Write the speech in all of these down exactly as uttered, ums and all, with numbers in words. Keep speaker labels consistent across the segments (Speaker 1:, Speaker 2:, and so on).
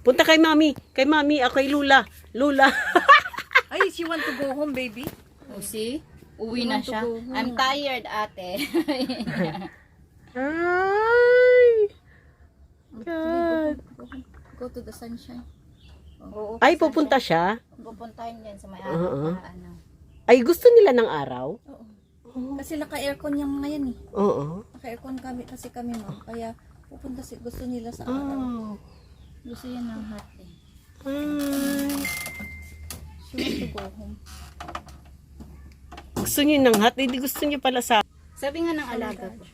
Speaker 1: Punta kay mami. Kay mami, ako kay Lula. Lula.
Speaker 2: Ay, she want to go home, baby.
Speaker 3: Oh, see? Uwi
Speaker 2: You
Speaker 3: na
Speaker 2: want to
Speaker 3: siya.
Speaker 2: go home.
Speaker 3: I'm tired, ate.
Speaker 1: Ay. God.
Speaker 2: Go, go, go to the sunshine.
Speaker 3: Oo,
Speaker 1: Ay,
Speaker 3: kasi
Speaker 1: pupunta siya?
Speaker 3: Pupuntahin yan sa may
Speaker 1: Oo.
Speaker 3: araw para ano.
Speaker 1: Ay, gusto nila ng araw?
Speaker 2: Oo. Kasi naka-aircon yung ngayon eh.
Speaker 1: Oo.
Speaker 2: Naka-aircon kami kasi kami, ma'am. Kaya pupunta si gusto nila sa araw.
Speaker 1: Oh.
Speaker 3: Gusto yan ng hot eh.
Speaker 1: Ay.
Speaker 2: She want to go home.
Speaker 1: Gusto niyo ng hot? Hindi gusto niyo pala sa...
Speaker 3: Sabi nga ng alaga ko.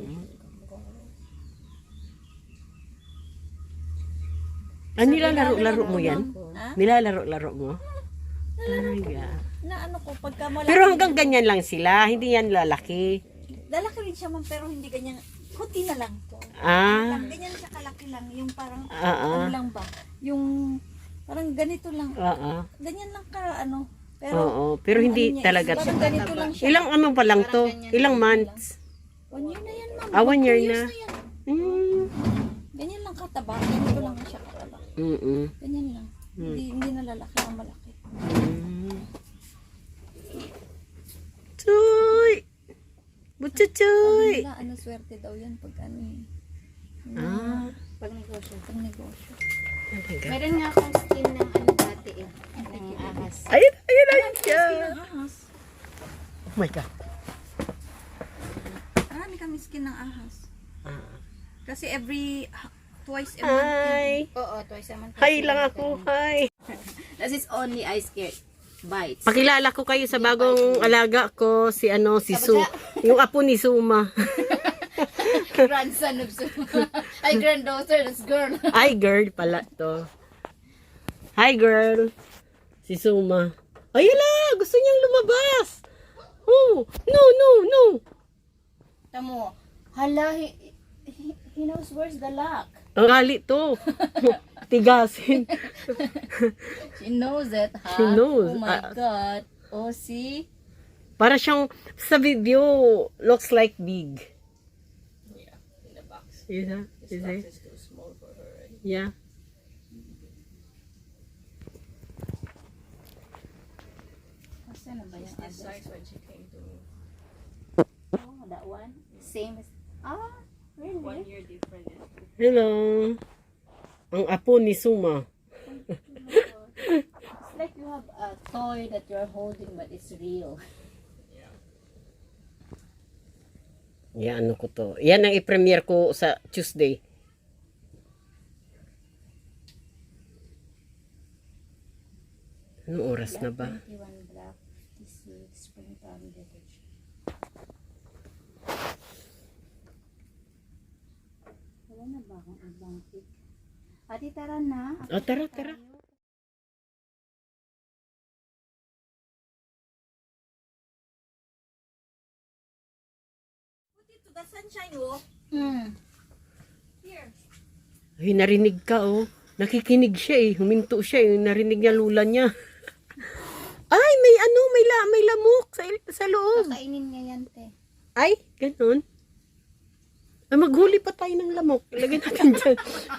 Speaker 1: Ah, nilalaro-laro mo yan?
Speaker 2: Ha?
Speaker 1: Nilalaro-laro mo? Ay, God.
Speaker 2: Na ano ko, pagka malaki.
Speaker 1: Pero hanggang ganyan lang sila, hindi yan lalaki.
Speaker 2: Lalaki rin siya, ma'am, pero hindi ganyan. Kunti na lang to.
Speaker 1: Ah,
Speaker 2: Lang, ganyan siya kalaki lang. Yung parang,
Speaker 1: ah, ah.
Speaker 2: ano lang ba? Yung, parang ganito lang.
Speaker 1: Oo.
Speaker 2: Ganyan lang ka, ano. Pero,
Speaker 1: Oo, pero hindi
Speaker 2: ano niya,
Speaker 1: talaga.
Speaker 2: parang ganito lang siya.
Speaker 1: Ilang ano pa lang to? Ilang months?
Speaker 2: One year na yan, ma'am.
Speaker 1: Ah, one year
Speaker 2: Two
Speaker 1: na.
Speaker 2: years yan.
Speaker 1: Mm.
Speaker 2: Ganyan lang kataba. Ganito lang siya kataba.
Speaker 1: Mm-mm.
Speaker 2: Ganyan lang. Hindi, hindi na lalaki ang malaki.
Speaker 1: Mm. Chuy! Butchuchoy!
Speaker 2: Wala, ano, swerte daw yan pag ano eh.
Speaker 1: Ah.
Speaker 3: Pag negosyo.
Speaker 2: Pag negosyo.
Speaker 3: Meron nga akong skin ng ano dati eh. Ng ahas.
Speaker 1: Ayun, ayun, ayun siya.
Speaker 2: Skin ng ahas.
Speaker 1: Oh my God.
Speaker 2: Marami kami skin ng ahas.
Speaker 1: Ah.
Speaker 2: Kasi every, twice a month.
Speaker 1: Hi!
Speaker 3: Oo, twice a month.
Speaker 1: Hi lang ako, hi!
Speaker 3: That is only ice scared. Bites.
Speaker 1: Pakilala ko kayo sa bagong alaga ko, si ano, si Su. Yung apo ni Suma.
Speaker 3: Grandson of Suma. Ay, granddaughter, that's girl.
Speaker 1: Hi girl pala to. Hi girl. Si Suma. Ayala, gusto niyang lumabas. Oh, no, no, no.
Speaker 3: Tamo, hala, he, he, he knows where's the lock.
Speaker 1: Ang gali to. Tigasin.
Speaker 3: She knows it, ha?
Speaker 1: She knows.
Speaker 3: Oh my
Speaker 1: Ah.
Speaker 3: God. Oh, see?
Speaker 1: Para siyang sa video looks like big.
Speaker 4: Yeah, in the box.
Speaker 1: Is that?
Speaker 4: This
Speaker 1: Is
Speaker 4: box
Speaker 1: it?
Speaker 4: is too small for her, right?
Speaker 1: Yeah.
Speaker 3: Saan na ba yung
Speaker 4: It's this
Speaker 3: other?
Speaker 4: size when she came to me.
Speaker 3: Oh, that one? Same as... Ah, really?
Speaker 4: One year different.
Speaker 1: Hello. Ang apo ni Suma.
Speaker 3: It's like you have a toy that you're holding but it's real.
Speaker 1: Yan, ano ko to. Yan ang i-premiere ko sa Tuesday. Anong oras na ba?
Speaker 3: twenty-one black, fifty-six, spring time decoration. Wala na ba akong ibang pick? Ate, tara na.
Speaker 1: O, tara, tara.
Speaker 2: To the sunshine, oh.
Speaker 3: Hmm.
Speaker 2: Here.
Speaker 1: Ay, narinig ka, oh. Nakikinig siya, eh. Huminto siya, eh. Narinig niya lula niya. Ay, may ano, may, la, may lamok sa, sa loob.
Speaker 3: Kakainin niya yan, te.
Speaker 1: Ay, ganun. Ay, maghuli pa tayo ng lamok. Lagyan natin dyan.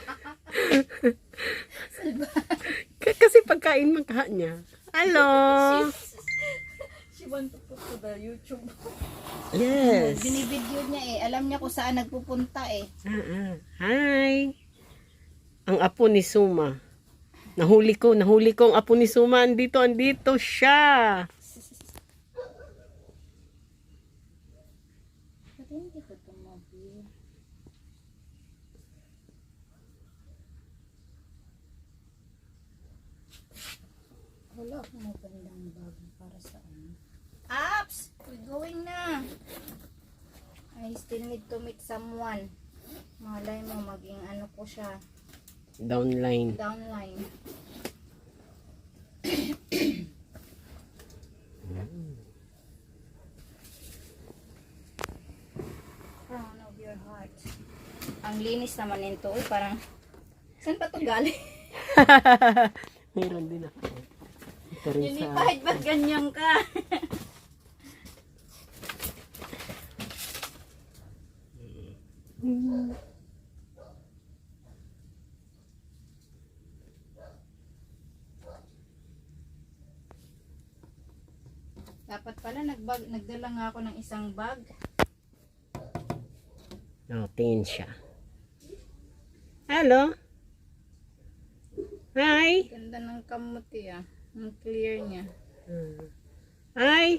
Speaker 1: K- Kasi pagkain magkaha niya. Hello.
Speaker 2: She want to put to the YouTube.
Speaker 1: Yes.
Speaker 3: Binibidyo niya eh. Alam niya kung saan nagpupunta eh.
Speaker 1: Ah, ah. Hi. Ang apo ni Suma. Nahuli ko, nahuli ko ang apo ni Suma. Andito, andito siya.
Speaker 3: Ba't hindi ko tumabi? Wala akong magandang bag para sa ano. Apps! We're going na! I still need to meet someone. Malay mo maging ano ko siya.
Speaker 1: Downline.
Speaker 3: Downline. Crown of your heart. Ang linis naman nito. Uy, parang, saan pa ito galing?
Speaker 1: Meron din ako. Ito rin
Speaker 3: Hindi
Speaker 1: sa...
Speaker 3: kahit ba't ganyan ka? Dapat pala nagbag, nagdala nga ako ng isang bag.
Speaker 1: Oh, tingin siya. Hello? Hi?
Speaker 3: Ganda ng kamuti ah. Ang clear niya.
Speaker 1: Hi?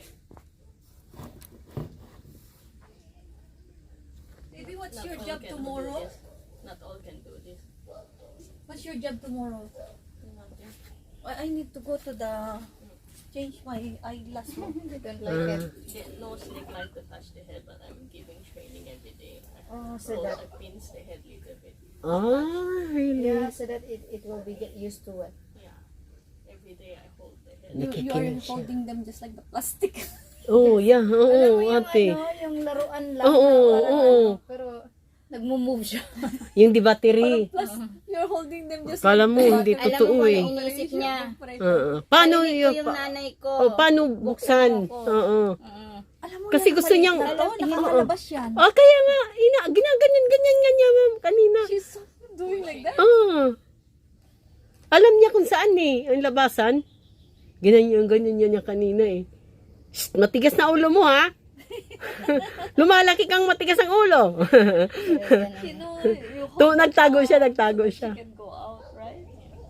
Speaker 2: Baby, what's
Speaker 4: Not
Speaker 2: your
Speaker 4: all
Speaker 2: job
Speaker 4: can do
Speaker 2: tomorrow?
Speaker 4: this. Not all can do this.
Speaker 2: What's your job tomorrow? I, I need to go to the change my eyeglass. Mom.
Speaker 3: They don't like it.
Speaker 4: They- No snake like to touch the head, but I'm giving training every day. I
Speaker 3: Oh, so
Speaker 4: hold,
Speaker 3: that
Speaker 4: I pinch the head little bit.
Speaker 1: Ah, really?
Speaker 3: yeah, so that it, it will be get used to it.
Speaker 4: Yeah. Every day I hold the head.
Speaker 2: You, you are
Speaker 1: Nakikinig siya.
Speaker 2: holding them just like the plastic.
Speaker 1: Oh, yeah.
Speaker 3: Alam
Speaker 1: Oo,
Speaker 3: mo yung
Speaker 1: ate.
Speaker 3: ano, yung laruan lang.
Speaker 1: Oo,
Speaker 3: na parang
Speaker 1: oo.
Speaker 3: ano, pero nagmo-move siya.
Speaker 1: Yung di battery.
Speaker 2: Plus, you're holding them just
Speaker 1: Kala mo, hindi
Speaker 3: Alam mo
Speaker 1: totoo
Speaker 3: kung
Speaker 1: eh.
Speaker 3: ano iniisip niya.
Speaker 1: Oo. Paano
Speaker 3: Narinig ko
Speaker 1: yung...
Speaker 3: yung nanay ko.
Speaker 1: Oh, paano buksan? Oo.
Speaker 3: Mm.
Speaker 2: Alam mo,
Speaker 1: Kasi
Speaker 2: yan,
Speaker 1: gusto
Speaker 2: maliit
Speaker 1: niyang-
Speaker 2: na to, nakakalabas yan.
Speaker 1: Ah, kaya nga, ina, ginaganyan-ganyan-ganyan, ma'am, kanina.
Speaker 2: She's doing like that.
Speaker 1: Ah. Alam niya kung saan eh, ang labasan. Ganyan, ganyan niya kanina eh. Shh, matigas na ulo mo ha. Lumalaki kang matigas ang ulo.
Speaker 2: You know, you hold
Speaker 1: to, nagtago siya, nagtago
Speaker 2: she
Speaker 1: siya.
Speaker 2: can go out, right?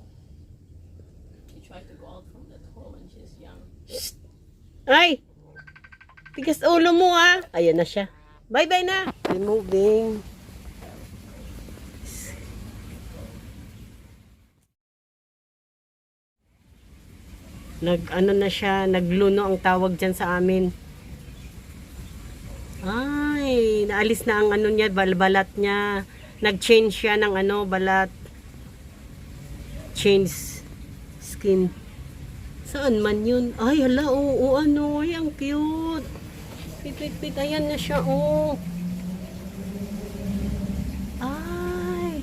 Speaker 4: She tried to go out from that hole when she's young.
Speaker 1: Ay! Tigas ulo mo ha. Ayan na siya. Bye-bye na. Removing. Nag ano na siya, nagluno ang tawag diyan sa amin. Ay, naalis na ang ano niya, balbalat niya. Nag-change siya ng ano, balat. Change skin. Saan man yun? Ay, hala, oo, oo, ano, ay, ang cute. Pit, pit, pit, ayan na siya, oh. Ay.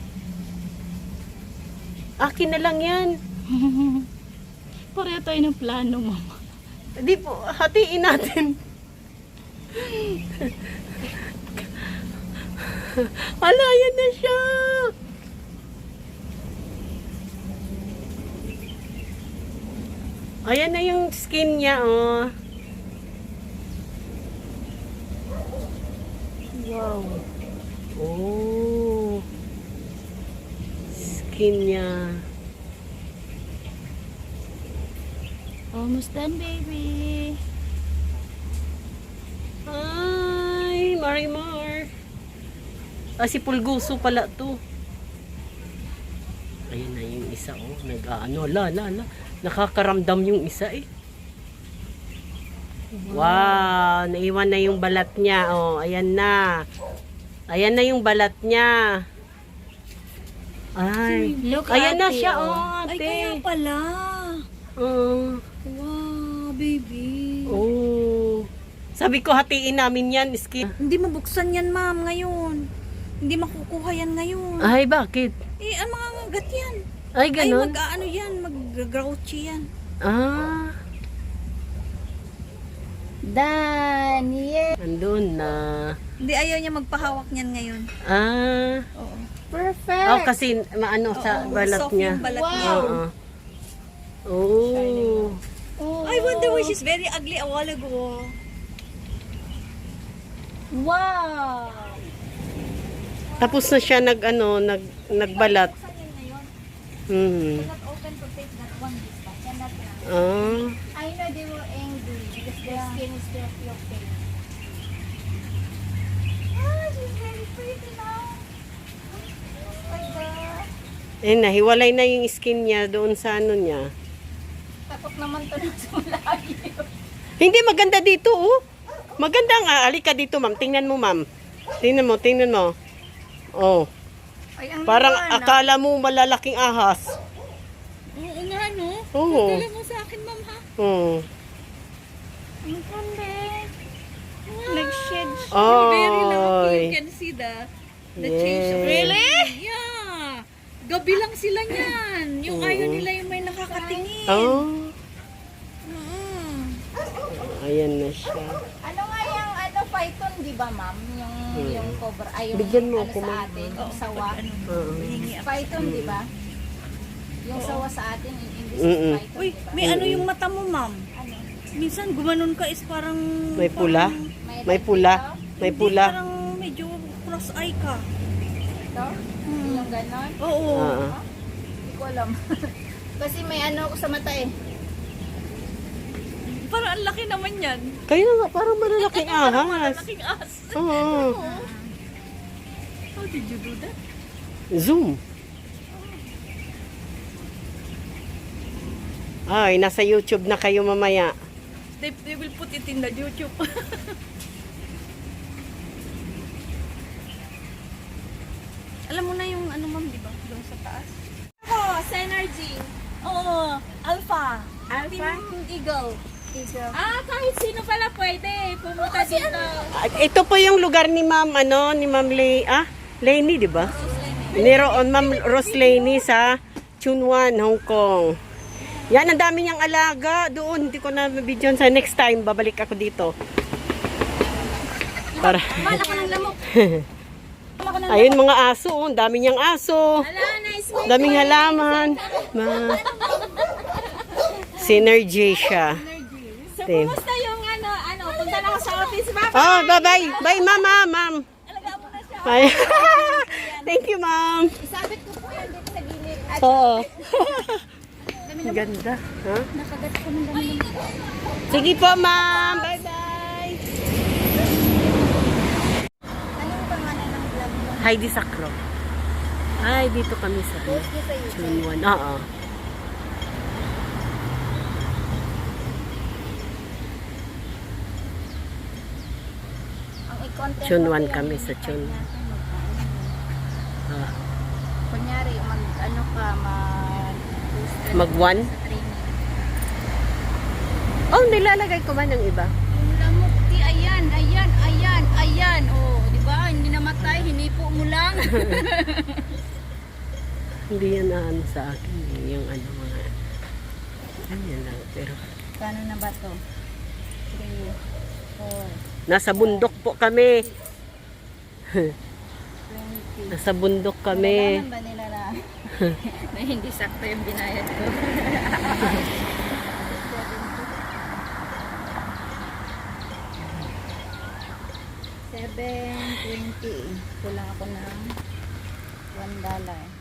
Speaker 1: Akin na lang yan.
Speaker 2: Pareho tayo ng plano, mama.
Speaker 1: Di po, hatiin natin. Hala, ayan na siya. Ayan na yung skin niya, oh. Wow. Oh. Skin niya.
Speaker 2: Almost done, baby.
Speaker 1: Ay, Marimar. Ah, si Pulguso pala to. Ayun na yung isa, oh. Nag-ano, la, la, la. Nakakaramdam yung isa, eh. Wow, naiwan na yung balat niya, oh. Ayan na. Ayan na yung balat niya. Ay,
Speaker 3: Look,
Speaker 1: ayan na
Speaker 3: ate,
Speaker 1: siya,
Speaker 3: oh.
Speaker 1: oh,
Speaker 2: Ay,
Speaker 1: ate.
Speaker 2: kaya pala.
Speaker 1: Oh.
Speaker 2: Wow, baby.
Speaker 1: Oh. Sabi ko, hatiin namin yan, skin.
Speaker 2: Hindi mabuksan yan, ma'am, ngayon. Hindi makukuha yan ngayon.
Speaker 1: Ay, bakit?
Speaker 2: Eh, ang mga ngagat yan.
Speaker 1: Ay,
Speaker 2: Ay,
Speaker 1: ganun?
Speaker 2: mag-ano yan, mag-grouchy yan.
Speaker 1: Ah,
Speaker 3: Done! Yeah!
Speaker 1: andun na.
Speaker 2: Hindi, ayaw niya magpahawak niyan ngayon.
Speaker 1: Ah.
Speaker 2: Oo.
Speaker 3: Perfect!
Speaker 1: Oh, kasi maano sa
Speaker 2: Oo,
Speaker 1: balat
Speaker 2: soft
Speaker 1: niya.
Speaker 2: yung balat
Speaker 3: Wow.
Speaker 2: niya.
Speaker 1: Oo. Oh.
Speaker 3: Oh.
Speaker 2: I wonder why she's very ugly a while ago.
Speaker 3: Wow!
Speaker 1: Tapos na siya nag ano, nag nagbalat.
Speaker 2: Buksan yan ngayon.
Speaker 1: Hmm.
Speaker 2: Not open to take that one this time. Cannot na.
Speaker 1: Ah.
Speaker 3: I know they were angry because their skin is still feel pink.
Speaker 2: Ah, she's very pretty now. Oh my God.
Speaker 1: Eh, nahiwalay na yung skin niya doon sa ano niya.
Speaker 3: Takot naman to na sa malayo.
Speaker 1: Hindi maganda dito, oh. Maganda nga. Halika dito, ma'am. Tingnan mo, ma'am. Tingnan mo, tingnan mo. Oh.
Speaker 3: Ay, ang
Speaker 1: Parang
Speaker 3: liwanag.
Speaker 1: akala mo malalaking ahas.
Speaker 2: Oo nga, no?
Speaker 1: Oo.
Speaker 2: Dala mo sa akin, ma'am, ha?
Speaker 1: Hmm.
Speaker 3: Ang ganda. Nag-shed siya.
Speaker 2: You're very lucky.
Speaker 1: Ay.
Speaker 2: You can see the the change of
Speaker 1: Yes.
Speaker 2: Really? Yeah. Gabi lang sila niyan. Yung
Speaker 1: Oo.
Speaker 2: ayaw nila yung may nakakatingin.
Speaker 1: Oh.
Speaker 2: Mm.
Speaker 1: Ayan na siya.
Speaker 3: Ano nga yung ano, python, di ba, ma'am? Yung,
Speaker 1: Hmm.
Speaker 3: yung cobra, ay yung
Speaker 1: Bigyan mo
Speaker 3: ano
Speaker 1: ako,
Speaker 3: sa
Speaker 1: ma'am.
Speaker 3: atin, yung sawa.
Speaker 1: Oo.
Speaker 2: Hihingi ako.
Speaker 3: Python, di ba? Yung sawa sa atin, in English
Speaker 1: Mm-mm.
Speaker 3: is python,
Speaker 2: Uy,
Speaker 3: di ba?
Speaker 2: may ano yung mata mo, ma'am?
Speaker 3: Ano?
Speaker 2: Minsan gumanon ka is parang...
Speaker 1: May pula?
Speaker 2: parang-
Speaker 1: May pula. May
Speaker 2: Hindi,
Speaker 1: pula.
Speaker 2: Parang medyo cross eye ka.
Speaker 3: Ito? Yung ganon?
Speaker 2: Oo.
Speaker 1: Oo.
Speaker 3: Hindi ko alam. Kasi may ano ako sa mata eh.
Speaker 2: Parang ang laki naman yan.
Speaker 1: Kaya nga, parang malalaking ahas.
Speaker 2: Malaking as.
Speaker 1: Oo.
Speaker 2: How did you do that?
Speaker 1: Zoom. Ay, nasa YouTube na kayo mamaya.
Speaker 2: They, they will put it in the YouTube. Alam mo na yung ano ma'am, di ba? Doon sa taas.
Speaker 3: Oh, Synergy.
Speaker 2: Oo, Alpha.
Speaker 3: Alpha?
Speaker 2: Team Eagle.
Speaker 3: Eagle.
Speaker 2: Ah, kahit sino pala pwede pumunta dito.
Speaker 1: Ah, ito po yung lugar ni Ma'am, ano, ni Ma'am Lay, ah, Lainey, di ba? Niroon, Ma'am Rose Lainey sa Chunwan, Hong Kong. Yan, ang dami niyang alaga doon. Hindi ko na video sa next time. Babalik ako dito. Para.
Speaker 3: Wala ka ng lamok.
Speaker 1: Ayun, mga aso. Oh. Ang dami niyang aso.
Speaker 3: Ala, nice mo.
Speaker 1: Daming halaman. Ma. Synergy siya.
Speaker 3: So,
Speaker 1: Team.
Speaker 3: kumusta yung ano, ano, punta na ako sa office, ma'am.
Speaker 1: Oh, bye-bye. Bye, mama, ma'am.
Speaker 3: Alagaan mo na siya.
Speaker 1: Bye. Thank you, ma'am.
Speaker 3: Isabit ko po yan dito sa gilid. At
Speaker 1: Oo. Ganda. Ha?
Speaker 3: nakagat ko ng dami.
Speaker 1: Sige po, ma'am. Bye-bye.
Speaker 3: Anong pangalan ng vlog mo?
Speaker 1: Heidi Sacro. Ay, dito kami sa
Speaker 3: Post niyo sa YouTube.
Speaker 1: Chunwan. Oo.
Speaker 3: Ang i-content
Speaker 1: Chunwan
Speaker 3: mo po
Speaker 1: kami
Speaker 3: yan,
Speaker 1: sa
Speaker 3: i-type
Speaker 1: Chunwan.
Speaker 3: natin, magkano.
Speaker 1: Ah,
Speaker 3: Kunyari, mag, ano ka, mag,
Speaker 1: Mag-one?
Speaker 3: sa training.
Speaker 1: Oh, nilalagay ko ba ng iba?
Speaker 3: Yung lamok, di, ayan, ayan, ayan, ayan. Oh, di ba? Hindi namatay, hinipo mo lang.
Speaker 1: Hindi yan na ano sa akin. eh, Yung ano mga... Ganyan lang. Pero
Speaker 3: Kano na ba to? three, four,
Speaker 1: nasa bundok po kami.
Speaker 3: twenty.
Speaker 1: Nasa bundok kami.
Speaker 3: Nalalaman ba nila na, na hindi sakto yung binayad ko? seven twenty. Kulang ako ng one dollar.